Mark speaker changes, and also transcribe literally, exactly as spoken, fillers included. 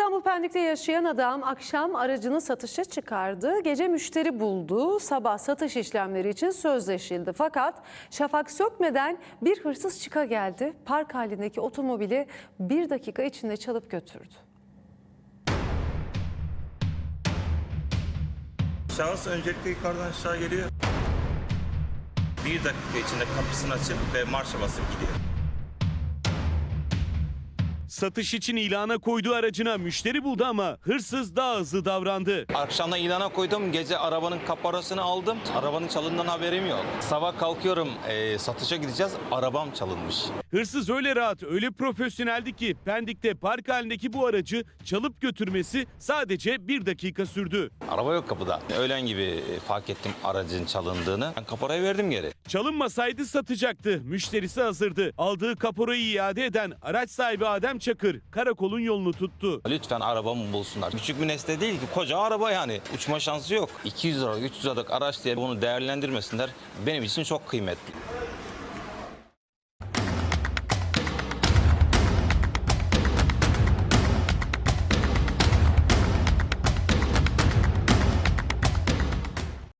Speaker 1: İstanbul Pendik'te yaşayan adam akşam aracını satışa çıkardı. Gece müşteri buldu. Sabah satış işlemleri için sözleşildi. Fakat şafak sökmeden bir hırsız çıka geldi. Park halindeki otomobili bir dakika içinde çalıp götürdü.
Speaker 2: Şahıs öncelikle yukarıdan aşağı geliyor. Bir dakika içinde kapısını açıp ve marşa basıp gidiyor.
Speaker 3: Satış için ilana koyduğu aracına müşteri buldu ama hırsız daha hızlı davrandı.
Speaker 4: Akşamdan ilana koydum, gece arabanın kaparasını aldım. Arabanın çalındığından haberim yok. Sabah kalkıyorum, e, satışa gideceğiz, arabam çalınmış.
Speaker 3: Hırsız öyle rahat, öyle profesyoneldi ki Pendik'te park halindeki bu aracı çalıp götürmesi sadece bir dakika sürdü.
Speaker 4: Araba yok kapıda. Öğlen gibi fark ettim aracın çalındığını. Ben kaparayı verdim geri.
Speaker 3: Çalınmasaydı satacaktı. Müşterisi hazırdı. Aldığı kaporayı iade eden araç sahibi Adem Çakır karakolun yolunu tuttu.
Speaker 4: Lütfen arabamı bulsunlar. Küçük bir nesne değil ki, koca araba yani. Uçma şansı yok. iki yüz lira, üç yüz liralık araç diye bunu değerlendirmesinler. Benim için çok kıymetli.